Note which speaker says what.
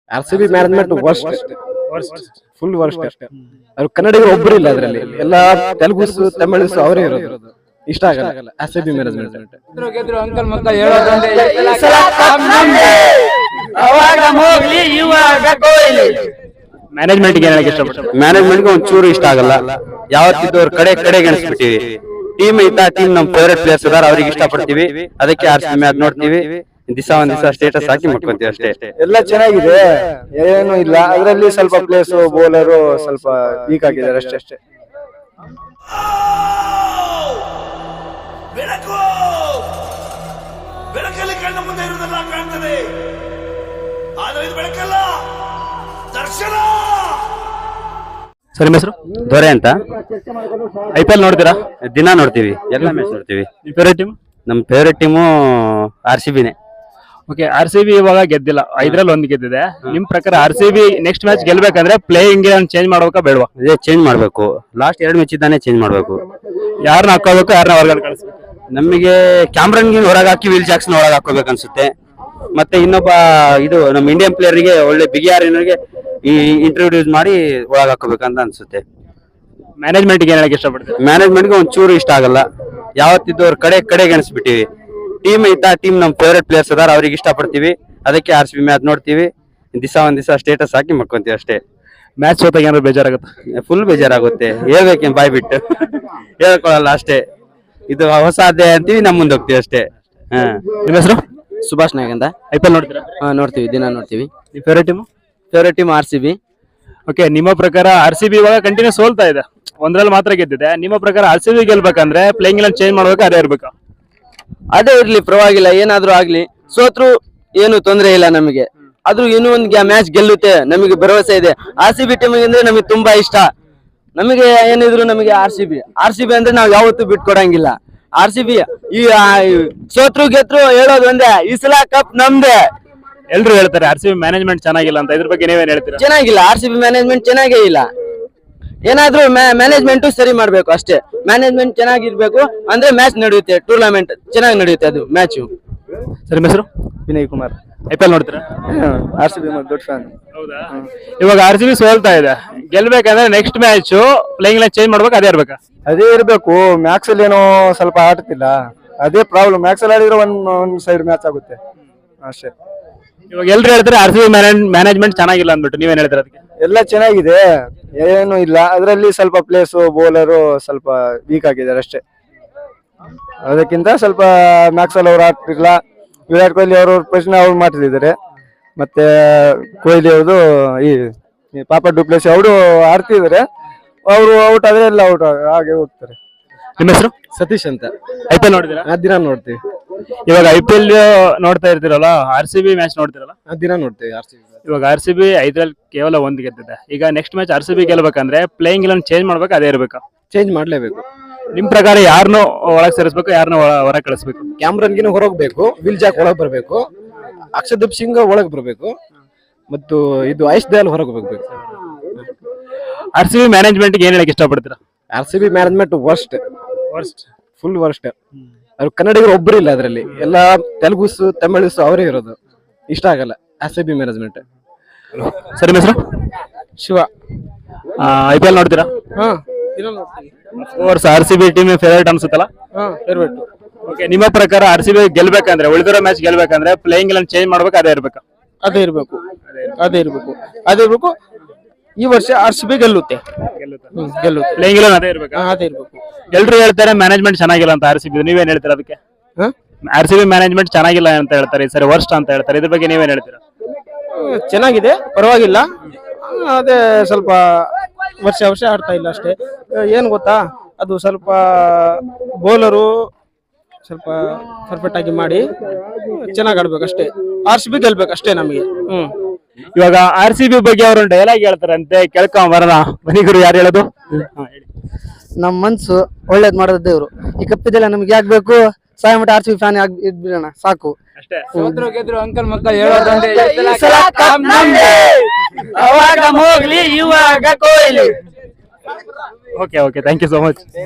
Speaker 1: RCB management worst full worst. ಅವ್ರು ಕನ್ನಡಿಗರು ಒಬ್ಬರು ಇಲ್ಲ ಅದರಲ್ಲಿ, ಎಲ್ಲ ತೆಲುಗುಸ್ ತಮಿಳ್ಸ್ ಅವರೇ ಇರೋದು. ಇಷ್ಟ ಆಗಲ್ಲ RCB ಮ್ಯಾನೇಜ್ಮೆಂಟ್.
Speaker 2: ಗೆದ್ರು ಅಂಕಲ್ ಮಕ್ಕ ಹೇಳೋದಂದ್ರೆ ಈ ಸಲ ಕಪ್ ನಮ್ದೇ. ಅವಾಗ ಮೋಗ್ಲಿ ಇವಾಗ ಕೊಹ್ಲಿ.
Speaker 3: ಮ್ಯಾನೇಜ್ಮೆಂಟ್ ಏನ್ ಹೇಳಕ್ ಇಷ್ಟಪಡ್ತಾರೆ?
Speaker 4: ಮ್ಯಾನೇಜ್ಮೆಂಟ್ ಒಂಚೂರು ಇಷ್ಟ ಆಗಲ್ಲ. ಯಾವತ್ತಿದ್ದು ಅವ್ರ ಕಡೆ ಗೆಣಿಸ್ಬಿಟ್ಟಿವಿ. ಟೀಮ್ ಐತಾ, ಟೀಮ್ ನಮ್ ಫೇವರೇಟ್ ಪ್ಲೇಯರ್ಸ್ ಅದಾರ, ಅವ್ರಿಗೆ ಇಷ್ಟ ಪಡ್ತೀವಿ, ಅದಕ್ಕೆ RCB ಮ್ಯಾಚ್ ನೋಡ್ತೀವಿ. ಒಂದ್ ದಿವಸ ಸ್ಟೇಟಸ್ ಹಾಕಿ ಮಾಡ್ಕೊಂತೀವಿ ಅಷ್ಟೇ.
Speaker 5: ಎಲ್ಲ ಚೆನ್ನಾಗಿದೆ, ಏನು ಇಲ್ಲ. ಅದರಲ್ಲಿ ಸ್ವಲ್ಪ ಪ್ಲೇಸ್ ಬೌಲರು ಸ್ವಲ್ಪ ವೀಕ್ ಆಗಿದ್ದಾರೆ ಅಷ್ಟೇ.
Speaker 6: ಬೆಳಕಲ್ಲಿ ಕಣ್ಣ ಮುಂದೆ ಇರುವುದೆಲ್ಲ ಕಾಣ್ತದೆ, ಆದರೆ ಇದು ಬೆಳಕಲ್ಲ, ದರ್ಶನ.
Speaker 3: ಸರ್, ನಿಮ್ಮ ಹೆಸರು?
Speaker 4: ದೊರೆ ಅಂತ.
Speaker 3: IPL ನೋಡ್ತೀರಾ?
Speaker 4: ದಿನ ನೋಡ್ತೀವಿ, ಎಲ್ಲ ಮ್ಯಾಚ್ ನೋಡ್ತೀವಿ.
Speaker 3: Favourite team?
Speaker 4: ನಮ್ ಫೇವರೇಟ್ ಟೀಮು RCBನೇ.
Speaker 3: ಓಕೆ, RCB ಇವಾಗ ಗೆದ್ದಿಲ್ಲ, 5ರಲ್ಲಿ 1 ಗೆದ್ದಿದೆ. ನಿಮ್ ಪ್ರಕಾರ RCB ನೆಕ್ಸ್ಟ್ ಮ್ಯಾಚ್ ಗೆಲ್ಬೇಕಂದ್ರೆ ಪ್ಲೇಯಿಂಗ್ ಚೇಂಜ್ ಮಾಡ್ಬೇಕಾ ಬೇಡವಾ?
Speaker 4: ಅದೇ ಚೇಂಜ್ ಮಾಡ್ಬೇಕು. ಲಾಸ್ಟ್ 2 ಮ್ಯಾಚ್ ಇದ್ದಾನೆ ಚೇಂಜ್ ಮಾಡ್ಬೇಕು.
Speaker 3: ಯಾರನ್ನ ಹಾಕೋಬೇಕು, ಯಾರನ್ನ ಹೊರಗಡೆ ಕಳಿಸ್ಬೇಕು?
Speaker 4: ನಮಗೆ ಕ್ಯಾಮ್ರನ್ಗೆ ಹೊರಗೆ ಹಾಕಿ ವಿಲ್ ಜಾಕ್ಸನ್ ಒಳಗೆ ಹಾಕೋಬೇಕು ಅನ್ಸುತ್ತೆ. ಮತ್ತೆ ಇನ್ನೊಬ್ಬ ಇದು ನಮ್ಮ ಇಂಡಿಯನ್ ಪ್ಲೇಯರ್ಗೆ ಒಳ್ಳೆ ಬಿಗಿಯಾರಿನರಿಗೆ ಈ ಇಂಟ್ರೊಡ್ಯೂಸ್ ಮಾಡಿ ಒಳಗೆ ಹಾಕೋಬೇಕಂತ ಅನ್ಸುತ್ತೆ.
Speaker 3: ಮ್ಯಾನೇಜ್ಮೆಂಟ್ ಏನ್ ಹೇಳಕ್ ಇಷ್ಟಪಡ್ತಾರೆ?
Speaker 4: ಮ್ಯಾನೇಜ್ಮೆಂಟ್ಗೆ ಒಂಚೂರು ಇಷ್ಟ ಆಗಲ್ಲ. ಯಾವತ್ತಿದ್ದು ಅವ್ರ ಕಡೆ ಗೆಣಿಸ್ಬಿಟ್ಟಿವಿ. ಟೀಮ್ ಐತಾ, ಟೀಮ್ ನಮ್ ಫೇವರೇಟ್ ಪ್ಲೇಯರ್ಸ್ ಅದಾರ, ಅವ್ರಿಗೆ ಇಷ್ಟ ಪಡ್ತೀವಿ, ಅದಕ್ಕೆ RCB ಮ್ಯಾಚ್ ನೋಡ್ತೀವಿ. ಒಂದ್ ದಿವಸ ಸ್ಟೇಟಸ್ ಹಾಕಿ ಮಾಡ್ಕೊಂತೀವಿ ಅಷ್ಟೇ.
Speaker 3: ಮ್ಯಾಚ್ ಸೋತಾಗ ಏನಾದ್ರು ಬೇಜಾರಾಗುತ್ತೆ?
Speaker 4: ಫುಲ್ ಬೇಜಾರಾಗುತ್ತೆ, ಹೇಳ್ಬೇಕೇನ್ ಬಾಯ್ ಬಿಟ್ಟು ಹೇಳ್ಕೊಳಲ್ಲ ಅಷ್ಟೇ. ಇದು ಹೊಸ ಅಧ್ಯಾಯ ಅಂತೀವಿ, ನಮ್ ಮುಂದೆ ಹೋಗ್ತೀವಿ ಅಷ್ಟೇ.
Speaker 3: ನಿಮ್ಮ ಹೆಸರು?
Speaker 1: ಸುಭಾಷ್ ನಾಯಕ್ ಅಂತ.
Speaker 3: IPL ನೋಡ್ತೀರಾ?
Speaker 1: ನೋಡ್ತೀವಿ, ದಿನ ನೋಡ್ತೀವಿ.
Speaker 3: ನಿಮ್ಮ favourite team?
Speaker 1: Favourite team RCB.
Speaker 3: Okay, ನಿಮ್ಮ ಪ್ರಕಾರ RCB ಇವಾಗ ಕಂಟಿನ್ಯೂ ಸೋಲ್ತಾ ಇದೆ, 1ರಲ್ಲಿ ಮಾತ್ರ ಗೆದ್ದಿದೆ. ನಿಮ್ಮ ಪ್ರಕಾರ RCB ಗೆಲ್ಬೇಕಂದ್ರೆ ಪ್ಲೇಯಿಂಗ್ ಎಲ್ಲ ಚೇಂಜ್ ಮಾಡ್ಬೇಕು, ಅದೇ ಇರ್ಬೇಕಾ?
Speaker 1: ಅದೇ ಇರ್ಲಿ, ಪರವಾಗಿಲ್ಲ, ಏನಾದ್ರೂ ಆಗ್ಲಿ. ಸೋತ್ರು ಏನು ತೊಂದರೆ ಇಲ್ಲ ನಮಗೆ, ಆದ್ರೂ ಇನ್ನೂ ಒಂದು ಮ್ಯಾಚ್ ಗೆಲ್ಲುತ್ತೆ ನಮಗೆ ಭರವಸೆ ಇದೆ. RCB ಟೀಮ್ ಅಂದ್ರೆ ನಮಗೆ ತುಂಬಾ ಇಷ್ಟ. ನಮಗೆ ಏನಿದ್ರು ನಮಗೆ RCB ಅಂದ್ರೆ ನಾವು ಯಾವತ್ತೂ ಬಿಟ್ಕೊಡಂಗಿಲ್ಲ. RCB ಈ ಸೋತ್ರು ಗೆದ್ರು ಹೇಳೋದು ಒಂದೇ, ಈ ಸಲ ಕಪ್ ನಮ್ದೇ.
Speaker 3: ಎಲ್ರು ಹೇಳ್ತಾರೆ RCB ಮ್ಯಾನೇಜ್ಮೆಂಟ್ ಚೆನ್ನಾಗಿಲ್ಲ ಅಂತ, ಇದ್ರ ಬಗ್ಗೆ ನೀವೇನ್ ಹೇಳ್ತೀರಾ?
Speaker 1: ಚೆನ್ನಾಗಿಲ್ಲ, RCB ಮ್ಯಾನೇಜ್ಮೆಂಟ್ ಚೆನ್ನಾಗೇ ಇಲ್ಲ. ಏನಾದ್ರೂ ಮ್ಯಾನೇಜ್ಮೆಂಟ್ ಸರಿ ಮಾಡ್ಬೇಕು ಅಷ್ಟೇ. ಮ್ಯಾನೇಜ್ಮೆಂಟ್ ಚೆನ್ನಾಗಿರ್ಬೇಕು ಅಂದ್ರೆ ಮ್ಯಾಚ್ ನಡೆಯುತ್ತೆ, ಟೂರ್ನಮೆಂಟ್ ಚೆನ್ನಾಗಿ ನಡೆಯುತ್ತೆ, ಅದು ಮ್ಯಾಚ್.
Speaker 3: ಸರ್, ನಿಮ್ಮ ಹೆಸರು?
Speaker 5: ವಿನಯ್ ಕುಮಾರ್.
Speaker 3: IPL ನೋಡ್ತೀರಾ?
Speaker 5: RCB ದೊಡ್ಡ ಫ್ಯಾನ್.
Speaker 3: ಹೌದಾ? ಇವಾಗ RCB ಸೋಲ್ತಾ ಇದೆ, ಗೆಲ್ಬೇಕಂದ್ರೆ ನೆಕ್ಸ್ಟ್ ಮ್ಯಾಚ್ ಪ್ಲೇಯಿಂಗ್ ಎಲ್ಲ ಚೇಂಜ್ ಮಾಡ್ಬೇಕು, ಅದೇ ಇರ್ಬೇಕಾ?
Speaker 5: ಅದೇ ಇರ್ಬೇಕು. ಮ್ಯಾಕ್ಸ್ ಅಲ್ಲಿ ಏನೋ ಸ್ವಲ್ಪ ಆಡ್ತಿಲ್ಲ, ಅದೇ ಪ್ರಾಬ್ಲಮ್. ಮ್ಯಾಕ್ಸ್ ಅಲ್ಲಿ ಆಡಿದ್ರೆ ಒಂದ್ ಸೈಡ್ ಮ್ಯಾಚ್ ಆಗುತ್ತೆ ಅಷ್ಟೇ.
Speaker 3: ಇವಾಗ ಎಲ್ರು ಹೇಳ್ತಾರೆ RCB ಮ್ಯಾನೇಜ್ಮೆಂಟ್ ಚೆನ್ನಾಗಿಲ್ಲ ಅಂದ್ಬಿಟ್ಟು, ನೀವೇನ್ ಹೇಳ್ತೀರಾ ಅದಕ್ಕೆ?
Speaker 5: ಎಲ್ಲ ಚೆನ್ನಾಗಿದೆ, ಏನು ಇಲ್ಲ. ಅದರಲ್ಲಿ ಸ್ವಲ್ಪ ಪ್ಲೇಸ್ ಬೌಲರು ಸ್ವಲ್ಪ ವೀಕ್ ಆಗಿದ್ದಾರೆ ಅಷ್ಟೇ. ಅದಕ್ಕಿಂತ ಸ್ವಲ್ಪ ಮ್ಯಾಕ್ಸ್ ಅಲ್ಲಿ ಅವ್ರು ಆಡ್ತಿರ್ಲಿಲ್ಲ. ವಿರಾಟ್ ಕೊಹ್ಲಿ ಅವ್ರ ಪ್ರಶ್ನೆ ಅವ್ರು ಮಾಡ್ತಿದ್ದಾರೆ. ಮತ್ತೆ ಕೊಹ್ಲಿ ಅವ್ರದ್ದು ಈ ಪಾಪ ಡುಪ್ಲೆಸಿ ಅವರು ಆಡ್ತಿದ್ದಾರೆ. ಅವರು ಔಟ್ ಆದ್ರೆ ಎಲ್ಲ ಔಟ್ ಹಾಗೆ ಹೋಗ್ತಾರೆ.
Speaker 3: ನಿಮ್ಮ ಹೆಸರು?
Speaker 1: ಸತೀಶ್ ಅಂತ.
Speaker 3: IPL ನೋಡಿದಿರಾ?
Speaker 1: ದಿನ ನೋಡ್ತೀವಿ.
Speaker 3: ಇವಾಗ IPL ನೋಡ್ತಾ ಇರ್ತೀರಲ್ಲ, RCB ಮ್ಯಾಚ್ ನೋಡ್ತಿರಲ್ಲ?
Speaker 1: ದಿನ ನೋಡ್ತೀವಿ RCB.
Speaker 3: ಇವಾಗ RCB 5ರಲ್ಲಿ ಕೇವಲ 1 ಗೆದ್ದಿದೆ. ಈಗ ನೆಕ್ಸ್ಟ್ ಮ್ಯಾಚ್ RCB ಗೆಲ್ಬೇಕಂದ್ರೆ ಪ್ಲೇಯಿಂಗ್ ಎಲ್ಲ ಚೇಂಜ್ ಮಾಡ್ಬೇಕು, ಅದೇ ಇರ್ಬೇಕಾ?
Speaker 1: ಚೇಂಜ್ ಮಾಡ್ಲೇಬೇಕು.
Speaker 3: ನಿಮ್ ಪ್ರಕಾರ ಯಾರನ್ನು ಒಳಗೆ ಸೇರಿಸಬೇಕು, ಯಾರನ್ನ ಹೊರಗೆ ಕಳಿಸ್ಬೇಕು?
Speaker 1: ಕ್ಯಾಮ್ರನ್ಗಿನ ಹೊರಗ್ಬೇಕು, ವಿಲ್ ಜಾಕ್ ಒಳಗ್ ಬರ್ಬೇಕು, ಅಕ್ಷದೀಪ್ ಸಿಂಗ್ ಒಳಗ್ ಬರ್ಬೇಕು, ಮತ್ತು ಇದು ಐಶ್ ದಯಾಲ್ ಹೊರಗೆ ಹೋಗ್ಬೇಕು.
Speaker 3: RCB ಮ್ಯಾನೇಜ್ಮೆಂಟ್ ಏನ್ ಹೇಳಕ್ ಇಷ್ಟಪಡ್ತೀರಾ?
Speaker 1: RCB management worst full worst. ಅವ್ರು ಕನ್ನಡಿಗರು ಒಬ್ಬರು ಇಲ್ಲ ಅದರಲ್ಲಿ, ಎಲ್ಲ ತೆಲುಗುಸ್ ತಮಿಳ್ಸ್ ಅವರೇ ಇರೋದು. ಇಷ್ಟ ಆಗಲ್ಲ RCB ಮ್ಯಾನೇಜ್ಮೆಂಟ್.
Speaker 3: ಸರ್, ನಿಮ್ಮ ಹೆಸರು?
Speaker 1: ಶಿವ.
Speaker 3: IPL ನೋಡ್ತೀರಾ? RCB ಟೀಮ್ ಫೇವರೇಟ್ ಅನ್ಸುತ್ತಲ್ಲ?
Speaker 1: ಫೇವರೇಟ್.
Speaker 3: ಓಕೆ, ನಿಮ್ಮ ಪ್ರಕಾರ RCB ಗೆಲ್ಬೇಕಂದ್ರೆ, ಉಳಿದಿರೋ ಮ್ಯಾಚ್ ಗೆಲ್ಬೇಕಂದ್ರೆ ಪ್ಲೇಯಿಂಗ್ ಎಲ್ಲ ಚೇಂಜ್ ಮಾಡ್ಬೇಕು, ಅದೇ ಇರ್ಬೇಕಾ?
Speaker 5: ಅದೇ ಇರ್ಬೇಕು. ಈ ವರ್ಷ RCB ಗೆಲ್ಲುತ್ತೆ.
Speaker 3: ಪ್ಲೇಯಿಂಗ್ ಎಲ್ಲ ಅದೇ ಇರ್ಬೇಕಾ?
Speaker 5: ಅದೇ ಇರ್ಬೇಕು.
Speaker 3: ಎಲ್ರು ಹೇಳ್ತಾರೆ ಮ್ಯಾನೇಜ್ಮೆಂಟ್ ಚೆನ್ನಾಗಿಲ್ಲ ಅಂತ RCB, ನೀವೇನ್ ಹೇಳ್ತೀರಾ ಅದಕ್ಕೆ? RCB ಮ್ಯಾನೇಜ್ಮೆಂಟ್ ಚೆನ್ನಾಗಿಲ್ಲ ಅಂತ ಹೇಳ್ತಾರೆ, ಈ ಸರಿ ವರ್ಸ್ಟ್ ಅಂತ ಹೇಳ್ತಾರೆ, ಇದ್ರ ಬಗ್ಗೆ ನೀವೇನ್ ಹೇಳ್ತೀರಾ?
Speaker 5: ಚೆನ್ನಾಗಿದೆ, ಪರವಾಗಿಲ್ಲ. ಅದೇ ಸ್ವಲ್ಪ ವರ್ಷ ಆಡ್ತಾ ಇಲ್ಲ ಅಷ್ಟೇ. ಏನ್ ಗೊತ್ತಾ, ಅದು ಸ್ವಲ್ಪ ಬೌಲರು ಸ್ವಲ್ಪ ಪರ್ಫೆಕ್ಟ್ ಆಗಿ ಮಾಡಿ ಚೆನ್ನಾಗಿ ಆಡ್ಬೇಕು ಅಷ್ಟೇ. RCB ಗೆಲ್ಬೇಕು ಅಷ್ಟೇ ನಮಗೆ.
Speaker 3: ಇವಾಗ RCB ಬಗ್ಗೆ ಅವರು ಡೈಲಾಗ್ ಹೇಳ್ತಾರಂತೆ, ಕೇಳ್ಕೊಂಡ್ ಬರೋಣ. ಮನಿಗರು ಯಾರು ಹೇಳೋದು?
Speaker 7: ನಮ್ ಮನ್ಸು ಒಳ್ಳೇದ್ ಮಾಡೋದು ದೇವ್ರು. ಈ ಕಪ್ಪಿದೆಲ್ಲ ನಮ್ಗೆ ಯಾಕೆ ಬೇಕು? ಸಾಯ ಮಟ್ಟ RCB ಫ್ಯಾನ್ ಇದ್ಬಿಡೋಣ ಸಾಕು
Speaker 3: ಅಷ್ಟೇ.
Speaker 2: ಸೋತ್ರು ಗೆದ್ರು ಅಂಕಲ್ ಮಕ್ಕ ಹೇಳೋದಂದ್ರೆ
Speaker 7: ಈ ಸಲ ಕಪ್ ನಮ್ದೇ.
Speaker 2: ಅವಾಗ ಮೋಗ್ಲಿ ಇವಾಗ Kohli.
Speaker 3: Okay, thank you so much.